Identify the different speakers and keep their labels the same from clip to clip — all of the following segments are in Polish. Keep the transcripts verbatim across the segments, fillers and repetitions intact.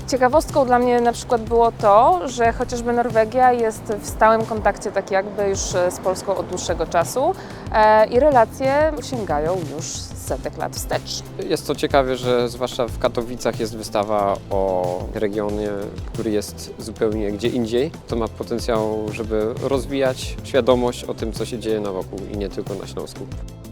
Speaker 1: Ciekawostką dla mnie na przykład było to, że chociażby Norwegia jest w stałym kontakcie tak jakby już z Polską od dłuższego czasu e, i relacje sięgają już setek lat wstecz.
Speaker 2: Jest to ciekawe, że zwłaszcza w Katowicach jest wystawa o regionie, który jest zupełnie gdzie indziej. To ma potencjał, żeby rozwijać świadomość o tym, co się dzieje na wokół i nie tylko na Śląsku.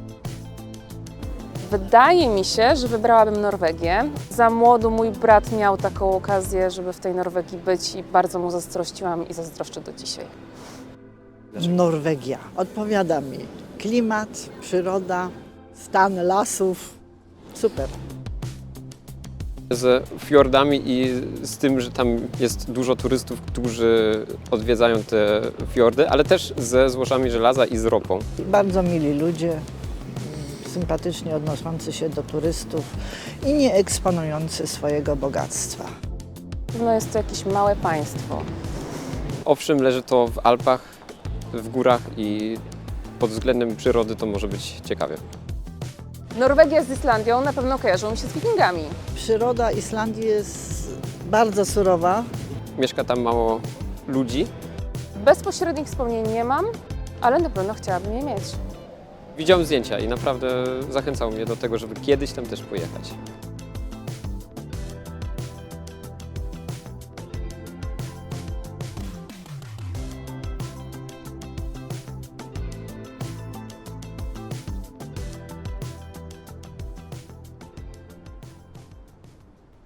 Speaker 1: Wydaje mi się, że wybrałabym Norwegię. Za młodu mój brat miał taką okazję, żeby w tej Norwegii być i bardzo mu zazdrościłam i zazdroszczę do dzisiaj.
Speaker 3: Norwegia. Odpowiada mi klimat, przyroda, stan lasów. Super.
Speaker 2: Z fiordami i z tym, że tam jest dużo turystów, którzy odwiedzają te fiordy, ale też ze złożami żelaza i z ropą.
Speaker 3: Bardzo mili ludzie, sympatycznie odnoszący się do turystów i nie eksponujący swojego bogactwa.
Speaker 1: No jest to jakieś małe państwo.
Speaker 2: Owszem, leży to w Alpach, w górach i pod względem przyrody to może być ciekawie.
Speaker 1: Norwegia z Islandią na pewno kojarzą mi się z wikingami.
Speaker 3: Przyroda Islandii jest bardzo surowa.
Speaker 2: Mieszka tam mało ludzi.
Speaker 1: Bezpośrednich wspomnień nie mam, ale na pewno chciałabym je mieć.
Speaker 2: Widziałem zdjęcia i naprawdę zachęcało mnie do tego, żeby kiedyś tam też pojechać.